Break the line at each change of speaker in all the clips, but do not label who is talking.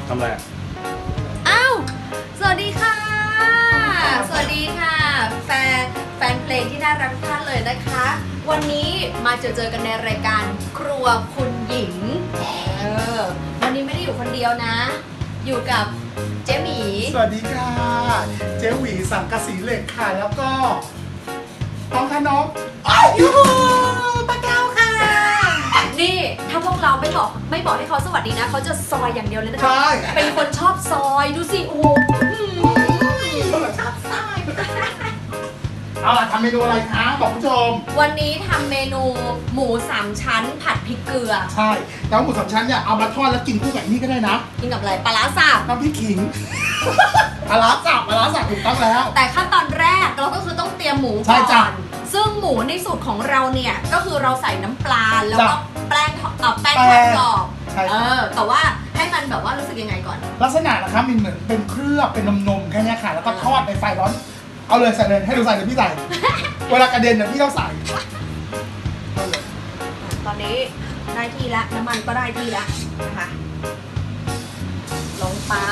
ทำอะไร
อ้าวสวัสดีค่ะสวัสดีค่ะแฟนเพลงที่น่ารักทุกท่านเลยนะคะ วันนี้มาเจอกันในรายการครัวคุณหญิงวันนี้ไม่ได้อยู่คนเดียวนะ อยู่กับเจ๊หมี
สวัสดีค่ะเจ๊หวีสังกะสีเหล็กค่ะแล้วก็น้องคะน้องยูป้าแก้วค่ะ
นี่ถ้าพวกเราไม่บอกให้เขาสวัสดีนะเขาจะซอยอย่างเดียวเลยนะคะ
ใช่
เป็นคนชอบซอยดูสิโอ้โห
ชอบไส้เอาล่ะทำเมนูอะไรคะบอกผู้ชม
วันนี้ทำเมนูหมู3ชั้นผัดพริกเกลือ
ใช่แล้วหมูสามชั้นเนี่ยเอามาทอดแล้วกินคู่กับนี่ก็ได้นะ
กินกับอะไรปลาร้าสับ
น้ำพริกขิงปลาร้าสับถูกต้องแล้ว
แต่ขั้นตอนแรกเราก็คือต้องเตรียมหมู
ใช่
ก่
จ้ะ
อนซึ่งหมูในสูตรของเราเนี่ยก็คือเราใส่น้ำปลาแล้วก็
จ้ะ
แป้งทอดกรอบ
ใช่จ้ะ
แต่ว่าให้มันแบบว่ารู้สึกยังไงก่อน
ลักษณะนะคะมันเหมือนเป็นเคลือบเป็นนมๆแค่เนี้ยค่ะแล้วก็ทอดในไฟร้อนเอาเลยใส่เลยให้ดูใส่เลยพี่ใส่ เวลากระเด็นเนี่ยพี่ต้องใส่เอาเลย
ตอนนี้ได้ที่แล้วน้ำมันก็ได้ที่แล้วนะคะลงไป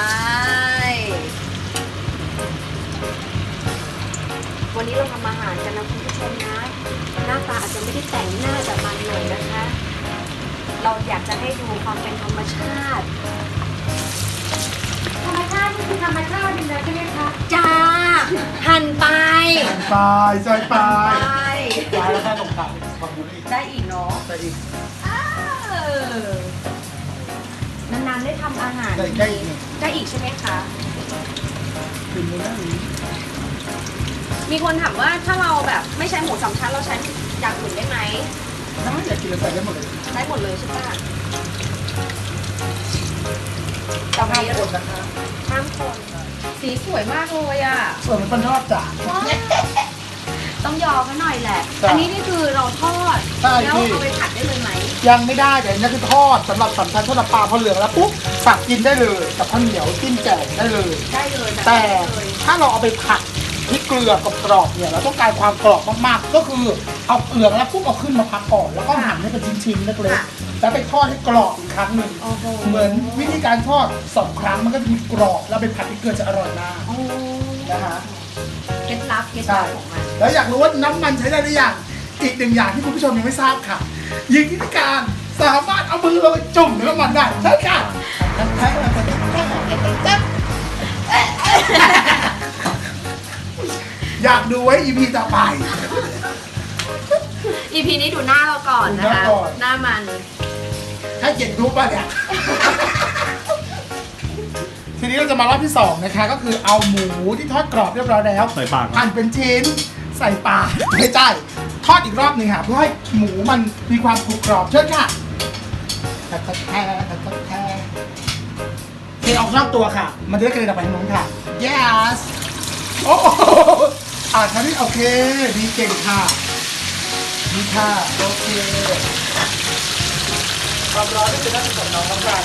วันนี้เราทำอาหารกันนะคุณผู้ชมนะหน้าตาอาจจะไม่ได้แต่งหน้าแต่มันเลยนะคะ เราอยากจะให้ดูความเป็นธรรมชาติธรรมชาตินี่คือธรรมชาติจริงๆใช่ไหมคะจ้าหั่นไป
ไปใส่ไป
ไป
ไปแล้วก็ตรงกลางเป็นความบุรี
ได้อีกเนาะ
ใส่อีก
นานๆได้ทำอาหาร
ได้อีกได้อีก
ได้อีกใช่ไหมคะ
กินไม่ได้
มีคนถามว่าถ้าเราแบบไม่ใช้หมูสามชั้นเราใช้อย่างอื่นได้ไหม
ถ้าอยากกินใส่ได้หมดเลย
ได้หมดเลยใช่ปะตอน
ห้าม
นี้
คนนะคะ
ห้ามคนสีสวยมากเลยอ่ะ
ส่วนมันเป็นทอดจ้ะ
ต้องยอมเขาหน่อยแหละ
จ้ะ
อันนี้นี่คือเราทอด
ใช่
แล้ว
พี่
เอาไปผัดได้เลยไหม
ยังไม่ได้แต่นี่คือทอดสำหรับสำชันทอดน้ำปลาพอเหลืองแล้วปุ๊บสับกินได้เลยกับข้าวเหนียวจิ้มแจ่วได้เลย
ได้เลยบบ
แต่
นี้เลย
ถ้าเราเอาไปผัดพริกเกลือกับกรอบเนี่ยเราต้องการความกรอบมากๆ ก็คือเอาเกลือแล้วปุ๊บเอาขึ้นมาพักก่อนแล้วก็หั่นให้เป็นชิ้นๆเล็กๆแล้วไปทอดให้กรอบอีกครั้งหนึ่ง
โอ้โห
เหมือนวิธีการทอด2 ครั้งมันก็จะมีกรอบแล้วไปผัดพริกเกลือจะอร่อยมาก
โอ้
นะคะ
เคล็ดลับของมัน
แล้วอยากรู้ว่าน้ำมันใช้ได้หรือยังอีกหนึ่งอย่างที่คุณผู้ชมยังไม่ทราบค่ะยิงวิธีการสามารถเอามือลงไปจุ่มในน้ำมันได้ใช่ค่ะอยากดูไว้ EP ต่อไป
EP นี้ดูหน้าเราก่อนนะคะ
ดูหน้าก่อน
หน้ามัน
ให้เกียรติดูป่ะเนี่ย ทีนี้เราจะมารอบที่2นะคะก็คือเอาหมูที่ทอดกรอบเรียบร้อยแล้ว
ใส่ปาก
หั่นเป็นชิ้นใส่ปากไม่ใช่ทอดอีกรอบหนึ่งค่ะเพื่อให้หมูมันมีความกรุบกรอบเชิญค่ะแท้เทออกนอกตัวค่ะ มันจะได้กระเด็นออกไปทางโน้นค่ะ yes โอ้โหคราวนี้โอเคดีเก่งค่ะดีค่ะโอเคความร้อนนี่เป็นหน้าที่ของน้องแล้วกัน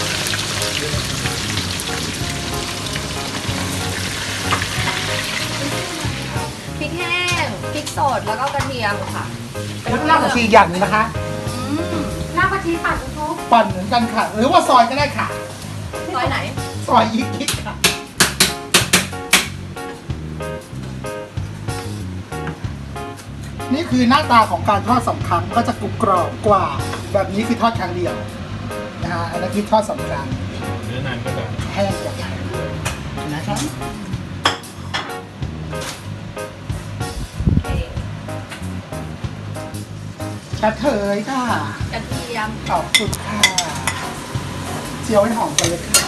พริกแห้งพริกสดแล้วก็กระเทียมค่ะ
แล้วรากผักชีอย่างหนึงนะคะ
รากผักชีปั่นทุก
ปั่นเหมือนกันค่ะ หรือว่าซอยก็ได้ค่ะ
ซอยไหน
ซอยยิกๆค่ะ นี่คือหน้าตาของการทอด2 ครั้งก็จะกรุบกรอบกว่า แบบนี้คือทอดครั้งเดียวนะฮะอันนี้คือทอด2 ครั้ง
เนื้อนานก็จะ
แห้งกว่านะคะกระเทยค่ะ
กระเทียม
ขอบคุณค่ะเจียวให้หอมกันเลยค่ะ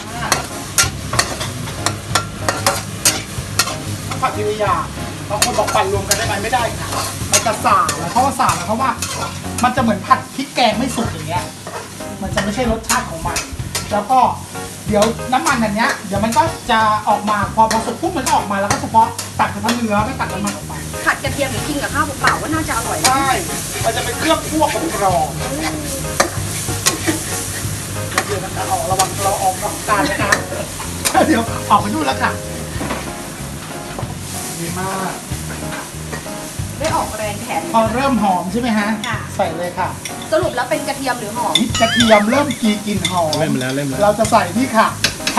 ผัดทีละอย่างบางคนบอกปั่นรวมกันได้ไหมไม่ได้ค่ะมันจะสาบเพราะว่าสาบเพราะว่ามันจะเหมือนผัดพริกแกงไม่สุกอย่างเงี้ย มันจะไม่ใช่รสชาติของมัน แล้วก็เดี๋ยวน้ำมันอันเนี้ยเดี๋ยวมันก็จะออกมาพอสุกปุ๊บมันก็ออกมาแล้วก็เฉพาะตัดเฉพาะเนื้อไม่ตัดน้ำมันออกไป
ผัดกระเทียมหรือกินกับข้าวเปล่าๆก็น่าจะอร่อยนะ
ใช่ มันจะเป็นเครื่องคั่วของกรอบเดี๋ยวนะคะออกระวังเราออกนอกการนะคะ เดี๋ยวออกไปนู่นแล้วค่ะ ดีมาก
ได้ออกแรงแขน
พอเริ่มหอมใช่ไหมฮะ
ค่ะ
ใส่เลยค่ะ
สรุปแล้วเป็นกระเทียมหรือหอม
กระเทียมเริ่มกลิ่นหอม
เล่มแล้ว
เราจะใส่นี่ค่ะ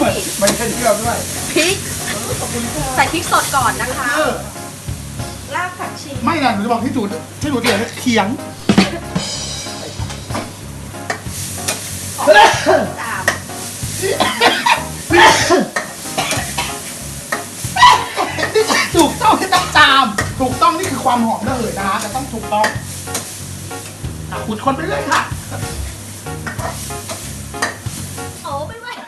ไม่ใช่เที่ยวด้วย
พริกใส่พริกสดก่อนนะคะ รากผักชี
ไม่นะหนูจะบอกที่ถูกเถียงเขียง
ตาม
ถูกต้องที่ต้องจามถูกต้องนี่คือความหอมระเหยนะฮะแต่ต้องถูกต้องขุดคนไปเรื่อยค่ะ
โอ้ไม่ไหว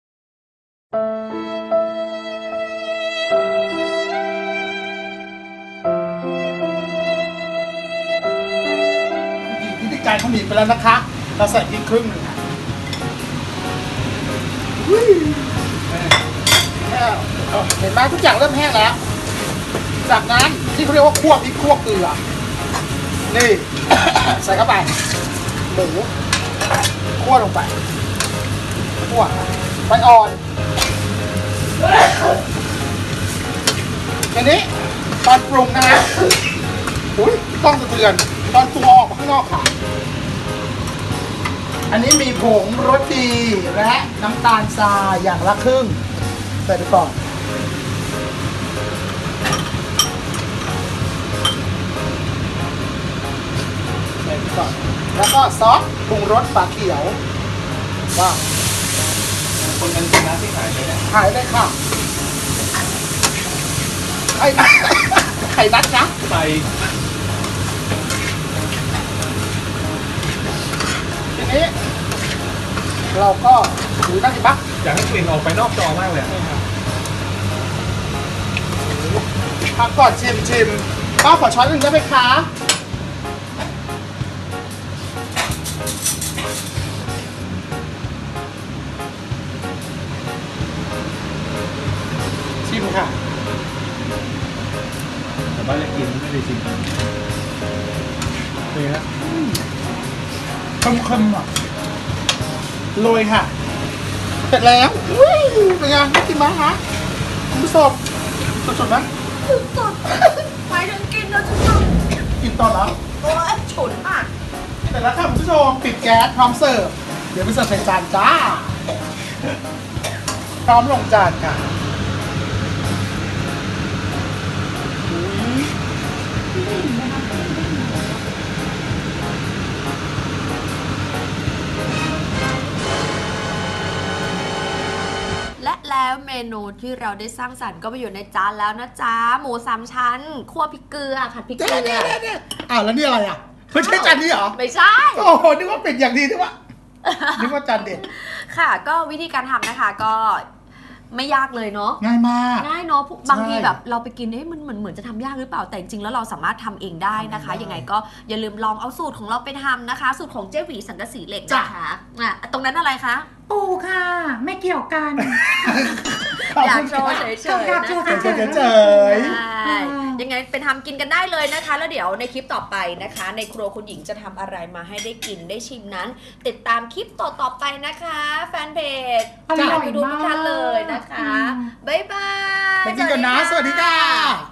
พิธีการเขาหนีไปแล้วนะคะ เราใส่พริกครึ่งหนึ่งค่ะเห็นไหมทุกอย่างเริ่มแห้งแล้ว จากนั้นที่เขาเรียกว่าคั่วพริกคั่วเกลือ นี่ ใส่เข้าไป หมูคั่วลงไปคั่วไฟอ่อนทีนี้ตอนปรุงนะฮะอุ้ยต้องสะเทือนตอนตัวออกมาข้างนอกค่ะ อันนี้มีผงรสดีและน้ำตาลทรายอย่างละครึ่งใส่ไปก่อนใส่ไปก่อนแล้วก็ซอสปรุงรสฝาเขียวว้าว
คนกันกินน้ำที่ขายเลยเนี่ย
ขายเลยค่ะไข่นัดไข่นัดนะ
ใส่
ทีนี้ เราก็ดูนั่นสิปะ
อยากให้กลิ่นออกไปนอกจอมากเลยอะ
พักก่อนชิมป้าขอช้อนหนึ่งได้ไหมคะชิมค่ะ
แต่ว่าจะกินไม่ได้ชิมเป็นไงฮะ
เค็มๆอ่ะโรยค่ะ เสร็จแล้วอุ้ยเป็นไงน่ากินไหมคะคุณผู้ชมสดๆไหม
สดไปถึงกินแล้วจะท
กินตอนแล้ว
ำโอ้ยฉุนมาก
เสร็จแล้วค่ะคุณผู้ชมปิดแก๊สพร้อมเสิร์ฟเดี๋ยวไปเสิร์ฟใส่จานจ้า พร้อมลงจานค่ะ
และแล้วเมนูที่เราได้สร้างสรรค์ก็มาอยู่ในจานแล้วนะจ๊ะ หมูสามชั้นคั่วพริกเกลือผัดพริกเกลือ
เนี่ยอ้าวแล้วนี่อะไรอ่ะไม่ใช่จานนี้เหรอ
ไม่ใช่
โอ้โหนึกว่าเป็นอย่างดีนึกว่าจานเด็ด
ค่ะก็วิธีการทำนะคะก็ไม่ยากเลยเนาะ
ง่ายมาก
ง่ายเนาะบางที
ใช่
แบบเราไปกินมันเหมือนจะทำยากหรือเปล่าแต่จริงๆแล้วเราสามารถทำเองได้นะคะ
ทำเองได้
ยังไงก็อย่าลืมลองเอาสูตรของเราไปทำนะคะ สูตรของเจ๊หวีสังกะสีเหล็ก
จ้ะ
นะคะตรงนั้นอะไรคะ
ปูค่ะ ไม่เกี่ยวกัน
อยากโชว์เฉยๆ
อยากโชว์
นะคะ
เฉย
เฉย
ใช่ยังไงไปทำกินกันได้เลยนะคะ แล้วเดี๋ยวในคลิปต่อไปนะคะ ในครัวคุณหญิงจะทำอะไรมาให้ได้กินได้ชิมนั้น ติดตามคลิปต่อๆไปนะคะ แฟนเพจ
อร่อย
ไปดูทุกท่านเลยนะคะ
มาก
บ๊ายบาย
ไปกินกันนะ สวัสดีค่ะ